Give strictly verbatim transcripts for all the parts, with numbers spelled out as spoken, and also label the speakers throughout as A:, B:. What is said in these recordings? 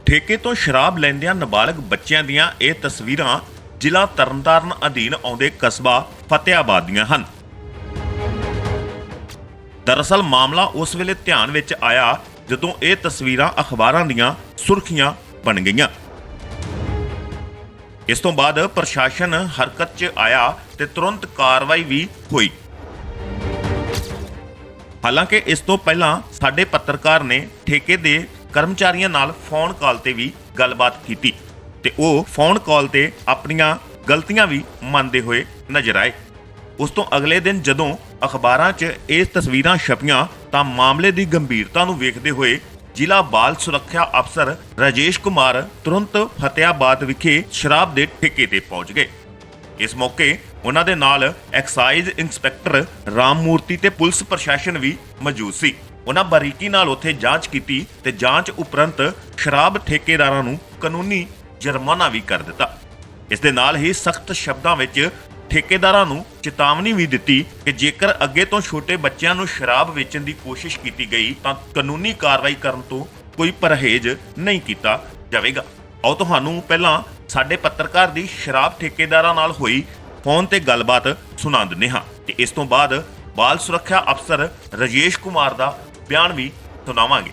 A: ਠੇਕੇ ਤੋਂ ਸ਼ਰਾਬ ਲੈਂਦਿਆਂ ਨਾਬਾਲਗ ਬੱਚਿਆਂ ਦੀਆਂ ਇਹ ਤਸਵੀਰਾਂ ਜ਼ਿਲ੍ਹਾ ਤਰਨਤਾਰਨ ਅਧੀਨ ਆਉਂਦੇ ਕਸਬਾ ਫਤਿਆਬਾਦ ਦੀਆਂ ਹਨ। ਦਰਅਸਲ ਮਾਮਲਾ ਉਸ ਵੇਲੇ ਧਿਆਨ ਵਿੱਚ ਆਇਆ ਜਦੋਂ ਇਹ ਤਸਵੀਰਾਂ ਅਖਬਾਰਾਂ ਦੀਆਂ ਸੁਰਖੀਆਂ ਬਣ ਗਈਆਂ। ਇਸ ਤੋਂ ਬਾਅਦ ਪ੍ਰਸ਼ਾਸਨ ਹਰਕਤ 'ਚ ਆਇਆ ਤੇ ਤੁਰੰਤ ਕਾਰਵਾਈ ਵੀ ਹੋਈ। ਹਾਲਾਂਕਿ ਇਸ ਤੋਂ ਪਹਿਲਾਂ ਸਾਡੇ ਪੱਤਰਕਾਰ ਨੇ ਠੇਕੇ ਦੇ ਕਰਮਚਾਰੀਆਂ ਨਾਲ ਫੋਨ ਕਾਲ ਤੇ ਵੀ ਗੱਲਬਾਤ ਕੀਤੀ ਤੇ ਉਹ ਫੋਨ ਕਾਲ ਤੇ ਆਪਣੀਆਂ ਗਲਤੀਆਂ ਵੀ ਮੰਨਦੇ ਹੋਏ ਨਜ਼ਰ ਆਏ। ਉਸ ਤੋਂ ਅਗਲੇ ਦਿਨ ਜਦੋਂ ਅਖਬਾਰਾਂ 'ਚ ਇਹ ਤਸਵੀਰਾਂ ਛਪੀਆਂ ਤਾਂ ਮਾਮਲੇ ਦੀ ਗੰਭੀਰਤਾ ਨੂੰ ਵੇਖਦੇ ਹੋਏ ਜ਼ਿਲ੍ਹਾ ਬਾਲ ਸੁਰੱਖਿਆ ਅਫਸਰ ਰਾਜੇਸ਼ ਕੁਮਾਰ ਤੁਰੰਤ ਫਤਿਆਬਾਦ ਵਿਖੇ ਸ਼ਰਾਬ ਦੇ ਠੇਕੇ ਤੇ ਪਹੁੰਚ ਗਏ। ਇਸ ਮੌਕੇ ਉਹਨਾਂ ਦੇ ਨਾਲ ਐਕਸਾਈਜ਼ ਇੰਸਪੈਕਟਰ ਰਾਮ ਮੂਰਤੀ ਤੇ ਪੁਲਿਸ ਪ੍ਰਸ਼ਾਸਨ ਵੀ ਮੌਜੂਦ ਸੀ। ਉਹਨਾਂ ਬਾਰੀਕੀ ਨਾਲ ਉੱਥੇ ਜਾਂਚ ਕੀਤੀ ਤੇ ਜਾਂਚ ਉਪਰੰਤ ਸ਼ਰਾਬ ਠੇਕੇਦਾਰਾਂ ਨੂੰ ਕਾਨੂੰਨੀ ਜੁਰਮਾਨਾ ਵੀ ਕਰ ਦਿੱਤਾ। ਇਸ ਦੇ ਨਾਲ ਹੀ ਸਖਤ ਸ਼ਬਦਾਂ ਵਿੱਚ ਠੇਕੇਦਾਰਾਂ ਨੂੰ ਚੇਤਾਵਨੀ ਵੀ ਦਿੱਤੀ ਕਿ ਜੇਕਰ ਅੱਗੇ ਤੋਂ ਛੋਟੇ ਬੱਚਿਆਂ ਨੂੰ ਸ਼ਰਾਬ ਵੇਚਣ ਦੀ ਕੋਸ਼ਿਸ਼ ਕੀਤੀ ਗਈ ਤਾਂ ਕਾਨੂੰਨੀ ਕਾਰਵਾਈ ਕਰਨ ਤੋਂ ਕੋਈ ਪਰਹੇਜ਼ ਨਹੀਂ ਕੀਤਾ ਜਾਵੇਗਾ। ਆਓ ਤੁਹਾਨੂੰ ਪਹਿਲਾਂ ਸਾਡੇ ਪੱਤਰਕਾਰ ਦੀ ਸ਼ਰਾਬ ਠੇਕੇਦਾਰਾਂ ਨਾਲ ਹੋਈ ਫੋਨ ਤੇ ਗੱਲਬਾਤ ਸੁਣਾ ਦਿੰਦੇ ਹਾਂ ਤੇ ਇਸ ਤੋਂ ਬਾਅਦ ਬਾਲ ਸੁਰੱਖਿਆ ਅਫਸਰ ਰਾਜੇਸ਼ ਕੁਮਾਰ ਦਾ ਬਿਆਨ ਵੀ ਸੁਣਾਵਾਂਗੇ।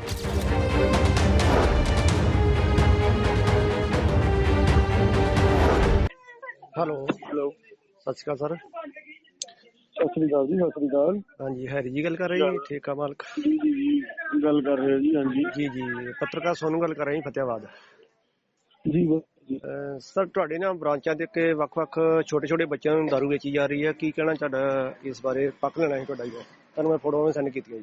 B: ਹੈਲੋ ਹੈਲੋ ਸਤਿ ਸ਼੍ਰੀ ਅਕਾਲ ਸਰ।
C: ਸਤਿ ਸ੍ਰੀ ਅਕਾਲ ਜੀ। ਸਤਿ ਸ੍ਰੀ ਅਕਾਲ।
B: ਹਾਂਜੀ ਹੈਰੀ ਜੀ ਗੱਲ ਕਰ ਰਹੇ ਜੀ, ਠੇਕਾ ਮਾਲਕ
C: ਜੀ ਜੀ ਜੀ ਗੱਲ ਕਰ ਰਹੇ ਹੋ ਜੀ। ਹਾਂਜੀ
B: ਜੀ ਜੀ ਪੱਤਰਕਾਰ ਸੋਨੂੰ ਗੱਲ ਕਰ ਰਹੇ ਜੀ ਫਤਿਆਬਾਦ।
C: ਜੀ ਜੀ
B: ਸਰ ਤੁਹਾਡੇ ਨਾ ਬ੍ਰਾਂਚਾਂ ਦੇ ਉੱਤੇ ਵੱਖ-ਵੱਖ ਛੋਟੇ-ਛੋਟੇ ਬੱਚਿਆਂ ਨੂੰ ਦਾਰੂ ਵੇਚੀ ਜਾ ਰਹੀ ਹੈ, ਕੀ ਕਹਿਣਾ ਤੁਹਾਡਾ ਇਸ ਬਾਰੇ? ਪੱਕ ਲੈਣਾ ਸੀ ਤੁਹਾਡਾ ਜੀ, ਤੁਹਾਨੂੰ ਮੈਂ ਫੋਟੋਆਂ ਸੈਂਡ ਕੀਤੀਆਂ ਜੀ।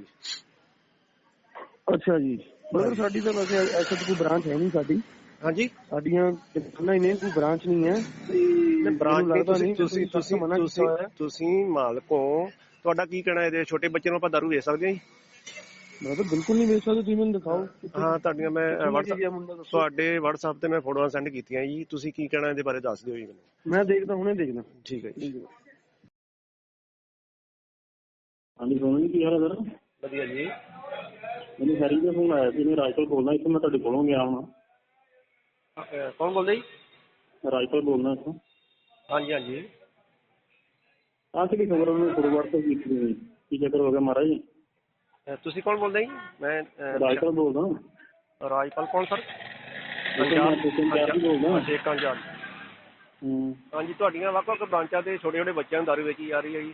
C: ਅੱਛਾ ਜੀ ਬ੍ਰਦਰ, ਸਾਡੀ ਤਾਂ ਵੈਸੇ ਐਸਾ ਕੋਈ ਬ੍ਰਾਂਚ ਹੈ ਨਹੀਂ ਸਾਡੀ।
B: ਹਾਂਜੀ
C: ਸਾਡੀਆਂ ਦੁਕਾਨਾਂ ਹੀ ਨੇ, ਕੋਈ ਬ੍ਰਾਂਚ ਨਹੀਂ ਹੈ।
B: ਤੇ ਬ੍ਰਾਂਚ ਨਹੀਂ, ਤੁਸੀਂ ਤੁਸੀਂ ਤੁਸੀਂ
C: ਮਨਾ
B: ਤੁਸੀਂ
C: ਕੀਤਾ ਹੋਇਆ।
B: ਤੁਸੀਂ ਮਾਲਕ ਹੋ, ਤੁਹਾਡਾ ਕੀ ਕਹਿਣਾ ਇਹਦੇ? ਛੋਟੇ ਬੱਚੇ ਨੂੰ ਆਪਾਂ ਦਾਰੂ ਵੇਚ ਸਕਦੇ ਹਾਂ ਜੀ?
C: ਬ੍ਰਦਰ ਬਿਲਕੁਲ ਨਹੀਂ ਵੇਚ ਸਕਦੇ, ਤੁਸੀਂ ਮੈਨੂੰ ਦਿਖਾਓ।
B: ਹਾਂ ਤੁਹਾਡੀਆਂ ਮੈਂ
C: WhatsApp
B: ਤੁਹਾਡੇ WhatsApp ਤੇ ਮੈਂ ਫੋਟੋਆਂ ਸੈਂਡ ਕੀਤੀਆਂ ਜੀ, ਤੁਸੀਂ ਕੀ ਕਹਿਣਾ ਇਹਦੇ ਬਾਰੇ ਦੱਸ ਦਿਓ ਜੀ ਮੈਨੂੰ।
C: ਮੈਂ ਦੇਖਦਾ, ਹੁਣੇ ਦੇਖਦਾ।
B: ਠੀਕ ਹੈ ਜੀ।
C: ਹਾਂਜੀ ਸੋਨੂੰ ਜੀ, ਕੀ ਹਾਲ ਹੈ ਸਰ?
B: ਵਧੀਆ ਜੀ।
C: ਮੈਨੂੰ ਹੈਰੀ ਦਾ ਫੋਨ ਆਇਆ ਸੀ, ਮੈਂ ਰਾਜਪਾਲ ਬੋਲਦਾ ਇੱਥੋਂ, ਮੈਂ ਤੁਹਾਡੇ ਕੋਲੋਂ ਗਿਆ ਹੁਣ।
B: ਕੌਣ ਬੋਲਦਾ ਜੀ?
C: ਰਾਜਪਾਲ ਬੋਲਦਾ ਇੱਥੋਂ।
B: ਹਾਂਜੀ ਹਾਂਜੀ
C: ਆਹ ਕਿਹੜੀ ਖਬਰ ਉਹਨੇ ਫੋਰਵਰਡ ਤੋਂ ਕੀਤੀ ਹੋਈ, ਕੀ ਚੱਕਰ ਹੋ ਗਿਆ ਮਹਾਰਾਜ?
B: ਤੁਸੀਂ ਕੌਣ ਬੋਲਦੇ ਜੀ? ਮੈਂ
C: ਰਾਜਪਾਲ ਬੋਲਦਾ।
B: ਰਾਜਪਾਲ ਕੌਣ ਸਰ?
C: ਬੋਲਦਾ
B: ਸ਼ੇਖਾਂ ਜਾਨ।
C: ਹੂੰ
B: ਹਾਂਜੀ ਤੁਹਾਡੀਆਂ ਵੱਖ-ਵੱਖ ਬ੍ਰਾਂਚਾਂ ਤੇ ਛੋਟੇ-ਛੋਟੇ ਬੱਚਿਆਂ ਨੂੰ ਦਾਰੂ ਵੇਚੀ ਜਾ ਰਹੀ ਹੈ ਜੀ।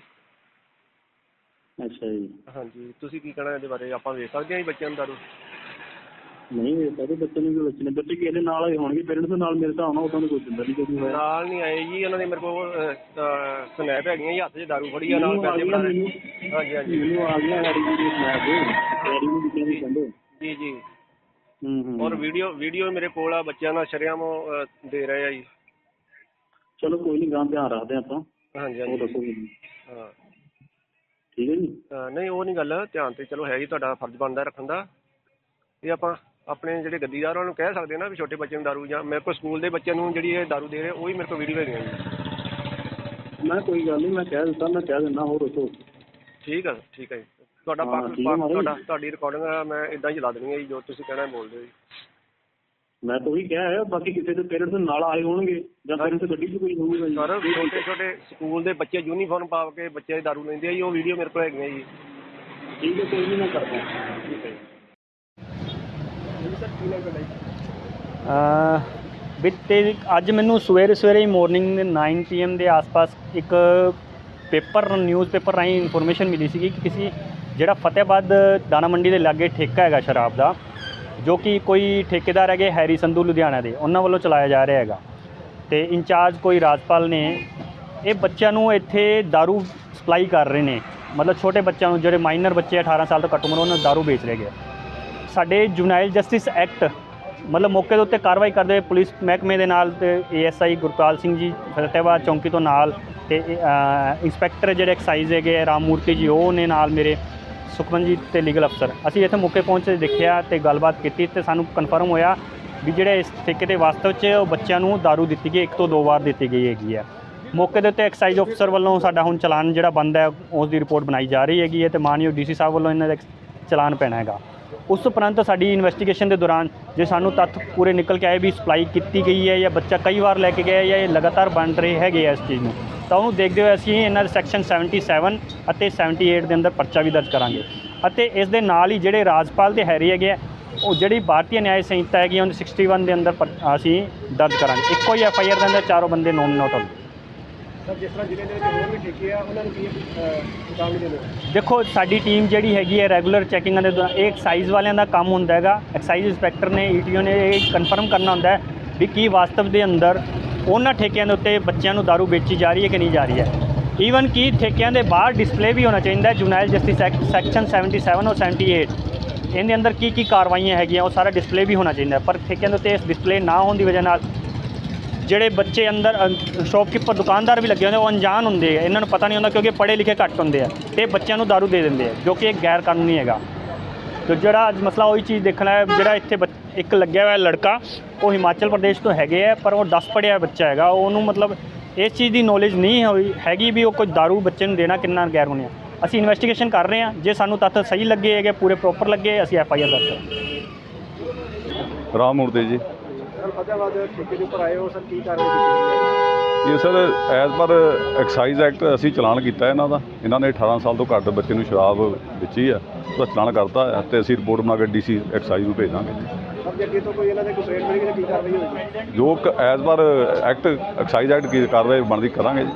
C: ਅੱਛਾ ਜੀ।
B: ਹਾਂਜੀ ਤੁਸੀਂ ਕੀ ਕਹਿਣਾ ਇਹਦੇ ਬਾਰੇ? ਆਪਾਂ ਵੇਚ ਸਕਦੇ ਹਾਂ ਜੀ ਬੱਚਿਆਂ ਨੂੰ ਦਾਰੂ?
C: ਨਹੀਂ ਵੇਚ ਸਕਦੇ ਬੱਚੇ ਨੂੰ, ਵੀ ਬੱਚੇ ਨੇ ਬੱਚੇ ਕਿਸੇ ਦੇ ਨਾਲ ਆਏ ਹੋਣਗੇ, ਪੇਰੈਂਟਸ ਦੇ ਨਾਲ ਮੇਰੇ ਤਾਂ ਆਉਣਾ, ਉਦੋਂ ਕੋਈ ਦਿੰਦਾ ਨਹੀਂ ਕਦੀ ਹੋਇਆ।
B: ਨਾਲ ਨਹੀਂ ਆਏ ਜੀ, ਉਹਨਾਂ ਦੇ ਮੇਰੇ ਕੋਲ ਸਨੈਪ ਹੈਗੀਆਂ ਜੀ, ਹੱਥ 'ਚ ਦਾਰੂ ਫੜੀ ਆ, ਨਾਲ ਪੈਸੇ ਬਣਾ ਰਹੇ। ਹਾਂਜੀ ਹਾਂਜੀ
C: ਮੈਨੂੰ ਆ ਗਿਆ ਹੈਰੀ ਦੀ ਸਨੈਪ ਹੈਰੀ ਨੂੰ ਬੱਚਿਆਂ ਦੀ ਕਹਿੰਦੇ।
B: ਜੀ ਜੀ
C: ਹੂੰ ਹੂੰ
B: ਔਰ ਵੀਡੀਓ ਵੀਡੀਓ ਮੇਰੇ ਕੋਲ ਆ, ਬੱਚਿਆਂ ਨਾਲ ਸ਼ਰੇਆਮ ਦੇ ਰਹੇ ਆ ਜੀ।
C: ਚਲੋ ਕੋਈ ਨਹੀਂ, ਗਾਂ ਧਿਆਨ ਰੱਖਦੇ ਆਪਾਂ।
B: ਹਾਂਜੀ
C: ਉਹ
B: ਹਾਂਜੀ
C: ਦੱਸੋ ਜੀ।
B: ਹਾਂ
C: ਠੀਕ ਹੈ ਜੀ।
B: ਨਹੀਂ ਉਹ ਨਹੀਂ ਗੱਲ, ਧਿਆਨ ਤੇ ਚਲੋ ਹੈ ਜੀ, ਤੁਹਾਡਾ ਫਰਜ਼ ਬਣਦਾ ਰੱਖਣ ਦਾ। ਇਹ ਆਪਾਂ ਆਪਣੇ ਜਿਹੜੇ ਗੱਡੀਦਾਰ ਉਹਨਾਂ ਨੂੰ ਕਹਿ ਸਕਦੇ ਨਾ ਵੀ ਛੋਟੇ ਬੱਚੇ ਨੂੰ ਦਾਰੂ, ਜਾਂ ਮੇਰੇ ਕੋਲ ਸਕੂਲ ਦੇ ਬੱਚਿਆਂ ਨੂੰ ਜਿਹੜੀ ਇਹ ਦਾਰੂ ਦੇ ਰਹੇ ਉਹ ਵੀ ਮੇਰੇ ਕੋਲ ਵੀਡੀਓ ਹੈਗੀਆਂ ਜੀ।
C: ਮੈਂ ਕੋਈ ਗੱਲ ਨਹੀਂ, ਮੈਂ ਕਹਿ ਦਿੱਤਾ, ਮੈਂ ਕਹਿ ਦਿੰਦਾ। ਹੋਰ ਦੱਸੋ।
B: ਠੀਕ ਹੈ ਠੀਕ ਹੈ ਜੀ। ਤੁਹਾਡਾ ਪੱਖ ਤੁਹਾਡਾ ਤੁਹਾਡੀ ਰਿਕਾਰਡਿੰਗ ਮੈਂ ਇੱਦਾਂ ਹੀ ਚਲਾ ਦੇਣੀ ਹੈ ਜੀ, ਜੋ ਤੁਸੀਂ ਕਹਿਣਾ ਬੋਲਦੇ ਹੋ ਜੀ।
C: ਮੈਂ ਤਾਂ ਉਹੀ ਕਿਹਾ ਹੈ, ਬਾਕੀ ਕਿਸੇ ਦੇ ਪੇਰੈਂਟਸ ਨਾਲ ਆਏ ਹੋਣਗੇ ਜਾਂ ਪੇਰੈਂਟਸ ਗੱਡੀ 'ਚ ਕੋਈ ਹੋਊਗਾ ਜੀ।
B: ਸਰ ਛੋਟੇ ਛੋਟੇ ਸਕੂਲ ਦੇ ਬੱਚੇ ਯੂਨੀਫਾਰਮ ਪਾ ਕੇ ਬੱਚੇ ਦਾਰੂ ਲੈਂਦੇ ਆ ਜੀ, ਉਹ ਵੀਡੀਓ ਮੇਰੇ ਕੋਲ ਹੈਗੀਆਂ ਜੀ।
C: ਠੀਕ ਹੈ ਕੋਈ ਨਹੀਂ, ਮੈਂ ਕਰਦਾ।
B: ਠੀਕ ਹੈ ਜੀ।
D: ਬੀਤੇ ਅੱਜ ਮੈਨੂੰ ਸਵੇਰੇ ਸਵੇਰੇ ਹੀ ਮਾਰਨਿੰਗ ਨਾइन ਪੀ ਐਮ ਦੇ ਆਸ-ਪਾਸ ਇੱਕ ਪੇਪਰ ਨਿਊਜ਼ ਪੇਪਰ ਰਾਹੀਂ ਇਨਫੋਰਮੇਸ਼ਨ ਮਿਲੀ ਸੀਗੀ ਕਿ ਕਿਸੇ ਜਿਹੜਾ ਫਤਿਆਬਾਦ ਦਾਣਾ ਮੰਡੀ ਦੇ ਲਾਗੇ ਠੇਕਾ ਹੈਗਾ ਸ਼ਰਾਬ ਦਾ, ਜੋ ਕਿ ਕੋਈ ਠੇਕੇਦਾਰ ਹੈਗੇ ਹੈਰੀ ਸੰਧੂ ਲੁਧਿਆਣਾ ਦੇ, ਉਹਨਾਂ ਵੱਲੋਂ ਚਲਾਇਆ ਜਾ ਰਿਹਾ ਹੈਗਾ। ਅਤੇ ਇੰਚਾਰਜ ਕੋਈ ਰਾਜਪਾਲ ਨੇ ਇਹ ਬੱਚਿਆਂ ਨੂੰ ਇੱਥੇ ਦਾਰੂ ਸਪਲਾਈ ਕਰ ਰਹੇ ਨੇ, ਮਤਲਬ ਛੋਟੇ ਬੱਚਿਆਂ ਨੂੰ, ਜਿਹੜੇ ਮਾਈਨਰ ਬੱਚੇ ਅਠਾਰਾਂ ਸਾਲ ਤੋਂ ਘੱਟ ਉਮਰ, ਉਹਨਾਂ ਨੂੰ ਦਾਰੂ ਵੇਚ ਰਹੇ ਗਏ। ਸਾਡੇ ਜੁਵਨਾਈਲ ਜਸਟਿਸ ਐਕਟ ਮਤਲਬ ਮੌਕੇ ਦੇ ਉੱਤੇ ਕਾਰਵਾਈ ਕਰਦੇ ਹੋਏ ਪੁਲਿਸ ਮਹਿਕਮੇ ਦੇ ਨਾਲ ਤੇ A S I Gurpal Singh ji Fatehabad ਚੌਂਕੀ ਤੋਂ ਨਾਲ, ਅਤੇ ਇੰਸਪੈਕਟਰ ਜਿਹੜੇ ਐਕਸਾਈਜ਼ ਹੈਗੇ ਰਾਮ ਮੂਰਤੀ ਜੀ, ਉਹ ਨੇ ਨਾਲ ਮੇਰੇ ਸੁਖਮਨਜੀਤ ਤੇ ਲੀਗਲ ਅਫਸਰ, ਅਸੀਂ ਇੱਥੇ ਮੌਕੇ ਪਹੁੰਚ ਕੇ ਦੇਖਿਆ ਅਤੇ ਗੱਲਬਾਤ ਕੀਤੀ ਅਤੇ ਸਾਨੂੰ ਕਨਫਰਮ ਹੋਇਆ ਵੀ ਜਿਹੜੇ ਇਸ ਠੇਕੇ ਦੇ ਵਾਸਤਵ 'ਚ ਬੱਚਿਆਂ ਨੂੰ ਦਾਰੂ ਦਿੱਤੀ ਗਈ, ਇੱਕ ਤੋਂ ਦੋ ਵਾਰ ਦਿੱਤੀ ਗਈ ਹੈਗੀ ਹੈ। ਮੌਕੇ ਦੇ ਉੱਤੇ ਐਕਸਾਈਜ਼ ਅਫਸਰ ਵੱਲੋਂ ਸਾਡਾ ਹੁਣ ਚਲਾਨ ਜਿਹੜਾ ਬਣਦਾ ਹੈ ਉਸ ਦੀ ਰਿਪੋਰਟ ਬਣਾਈ ਜਾ ਰਹੀ ਹੈਗੀ ਹੈ, ਅਤੇ ਮਾਨਯੋਗ ਡੀ ਸੀ ਸਾਹਿਬ ਵੱਲੋਂ ਇਹਨਾਂ ਦਾ ਚਲਾਨ ਪੈਣਾ ਹੈਗਾ। ਉਸ ਉਪਰੰਤ ਸਾਡੀ ਇਨਵੈਸਟੀਗੇਸ਼ਨ ਦੇ ਦੌਰਾਨ ਜੇ ਸਾਨੂੰ ਤੱਥ ਪੂਰੇ ਨਿਕਲ ਕੇ ਆਏ ਵੀ ਸਪਲਾਈ ਕੀਤੀ ਗਈ ਹੈ ਜਾਂ ਬੱਚਾ ਕਈ ਵਾਰ ਲੈ ਕੇ ਗਿਆ ਜਾਂ ਇਹ ਲਗਾਤਾਰ ਬਣ ਰਹੇ ਹੈਗੇ ਆ ਇਸ ਚੀਜ਼ ਨੂੰ, ਤਾਂ ਉਹਨੂੰ ਦੇਖਦੇ ਹੋਏ ਅਸੀਂ ਇਹਨਾਂ ਦੇ ਸੈਕਸ਼ਨ ਸੈਵਨਟੀ ਸੈਵਨ ਅਤੇ ਸੈਵਨਟੀ ਏਟ ਦੇ ਅੰਦਰ ਪਰਚਾ ਵੀ ਦਰਜ ਕਰਾਂਗੇ। ਅਤੇ ਇਸ ਦੇ ਨਾਲ ਹੀ ਜਿਹੜੇ ਰਾਜਪਾਲ ਦੇ ਹੈਰੀ ਹੈਗੇ ਆ ਉਹ ਜਿਹੜੀ ਭਾਰਤੀ ਨਿਆਇ ਸੰਹਿਤਾ ਹੈਗੀ ਉਹਦੇ ਸਿਕਸਟੀ ਵਨ ਦੇ ਅੰਦਰ ਪਰ- ਅਸੀਂ ਦਰਜ ਕਰਾਂਗੇ। ਇੱਕੋ ਹੀ ਐਫ ਆਈ ਆਰ ਦੇ ਅੰਦਰ ਚਾਰੋਂ ਬੰਦੇ ਨੋਮੀਨੇਟ ਹੋਣ।
B: ਸਰ ਜਿਸ ਤਰ੍ਹਾਂ ਜ਼ਿਲ੍ਹੇ ਦੇ ਵਿੱਚ ਹੋਰ ਵੀ ਠੇਕੇ ਆ ਉਹਨਾਂ ਨੂੰ ਕੀ ਚੇਤਾਵਨੀ ਦੇਣੀ ਹੈ?
D: ਦੇਖੋ ਸਾਡੀ ਟੀਮ ਜਿਹੜੀ ਹੈਗੀ ਹੈ ਰੈਗੂਲਰ ਚੈਕਿੰਗਾਂ ਦੇ ਦੌਰਾਨ ਇਹ ਐਕਸਾਈਜ਼ ਵਾਲਿਆਂ ਦਾ ਕੰਮ ਹੁੰਦਾ ਹੈਗਾ। ਐਕਸਾਈਜ਼ ਇੰਸਪੈਕਟਰ ਨੇ ਈ ਟੀ ਓ ਨੇ ਇਹ ਕਨਫਰਮ ਕਰਨਾ ਹੁੰਦਾ ਹੈ ਵੀ ਕੀ ਵਾਸਤਵ ਦੇ ਅੰਦਰ ਉਹਨਾਂ ਠੇਕਿਆਂ ਦੇ ਉੱਤੇ ਬੱਚਿਆਂ ਨੂੰ ਦਾਰੂ ਵੇਚੀ ਜਾ ਰਹੀ ਹੈ ਕਿ ਨਹੀਂ ਜਾ ਰਹੀ ਹੈ। ਈਵਨ ਕਿ ਠੇਕਿਆਂ ਦੇ ਬਾਹਰ ਡਿਸਪਲੇ ਵੀ ਹੋਣਾ ਚਾਹੀਦਾ ਹੈ। Juvenile justice act section seventy seven ਔਰ ਸੈਵਨਟੀ ਏਟ ਇਹਦੇ ਅੰਦਰ ਕੀ ਕੀ ਕਾਰਵਾਈਆਂ ਹੈਗੀਆਂ ਉਹ ਸਾਰਾ ਡਿਸਪਲੇ ਵੀ ਹੋਣਾ ਚਾਹੀਦਾ ਹੈ। ਪਰ ਠੇਕਿਆਂ ਦੇ ਉੱਤੇ ਡਿਸਪਲੇ ਨਾ ਹੋਣ ਦੀ ਵਜ੍ਹਾ ਨਾਲ ਜਿਹੜੇ ਬੱਚੇ ਅੰਦਰ ਸ਼ੌਪਕੀਪਰ ਦੁਕਾਨਦਾਰ ਵੀ ਲੱਗੇ ਹੁੰਦੇ ਉਹ ਅਣਜਾਣ ਹੁੰਦੇ ਆ, ਇਹਨਾਂ ਨੂੰ ਪਤਾ ਨਹੀਂ ਹੁੰਦਾ ਕਿਉਂਕਿ ਪੜ੍ਹੇ ਲਿਖੇ ਘੱਟ ਹੁੰਦੇ ਆ ਅਤੇ ਬੱਚਿਆਂ ਨੂੰ ਦਾਰੂ ਦੇ ਦਿੰਦੇ ਆ ਜੋ ਕਿ ਗੈਰ ਕਾਨੂੰਨੀ ਹੈਗਾ। ਤੇ ਜਿਹੜਾ ਅੱਜ ਮਸਲਾ ਉਹੀ ਚੀਜ਼ ਦੇਖਣਾ ਹੈ, ਜਿਹੜਾ ਇੱਥੇ ਬੱਚ- ਇੱਕ ਲੱਗਿਆ ਹੋਇਆ ਲੜਕਾ ਉਹ ਹਿਮਾਚਲ ਪ੍ਰਦੇਸ਼ ਤੋਂ ਹੈਗੇ ਆ ਪਰ ਉਹ ਦਸ ਪੜ੍ਹਿਆ ਬੱਚਾ ਹੈਗਾ, ਉਹਨੂੰ ਮਤਲਬ ਇਸ ਚੀਜ਼ ਦੀ ਨੌਲੇਜ ਨਹੀਂ ਹੋਈ ਹੈਗੀ ਵੀ ਉਹ ਕੋਈ ਦਾਰੂ ਬੱਚੇ ਨੂੰ ਦੇਣਾ ਕਿੰਨਾ ਗੈਰ ਕਾਨੂੰਨੀ ਹੈ। ਅਸੀਂ ਇਨਵੈਸਟੀਗੇਸ਼ਨ ਕਰ ਰਹੇ ਹਾਂ, ਜੇ ਸਾਨੂੰ ਤੱਥ ਸਹੀ ਲੱਗੇ ਹੈਗੇ ਪੂਰੇ ਪ੍ਰੋਪਰ ਲੱਗੇ ਅਸੀਂ ਐਫ ਆਈ ਆਰ ਦਰਜ ਕਰਾਂਗੇ।
E: ਰਾਮ ਮੂਰਤੀ ਜੀ।
B: ਸਰ ਫਤਿਆਬਾਦ ਠੇਕੇ ਦੇ ਉੱਪਰ ਆਏ ਹੋ ਸਰ, ਕੀ ਕਾਰਵਾਈ ਕੀਤੀ ਗਈ ਹੈ?
E: ਇਹ sir as per excise act ਅਸੀਂ ਚਲਾਨ ਕੀਤਾ ਇਹਨਾਂ ਦਾ। ਇਹਨਾਂ ਨੇ ਅਠਾਰਾਂ ਸਾਲ ਤੋਂ ਘੱਟ ਬੱਚੇ ਨੂੰ ਸ਼ਰਾਬ ਵੇਚੀ ਆ, ਉਹਦਾ ਚਲਾਨ ਕਰਤਾ ਹੈ ਅਤੇ ਅਸੀਂ ਰਿਪੋਰਟ ਬਣਾ ਕੇ ਡੀ ਸੀ ਐਕਸਾਈਜ਼ ਨੂੰ ਭੇਜ ਦਾਂਗੇ।
B: ਸਰ ਜੇ ਅੱਗੇ ਤੋਂ ਕੋਈ ਇਹਨਾਂ ਦੇ ਕੰਪਲੇਂਟ ਮਿਲੇਗੀ ਤਾਂ ਕੀ ਕਾਰਵਾਈ ਹੋਵੇਗੀ?
E: ਜੋ as per act excise act ਕੀ ਕਾਰਵਾਈ ਬਣਦੀ ਕਰਾਂਗੇ ਜੀ।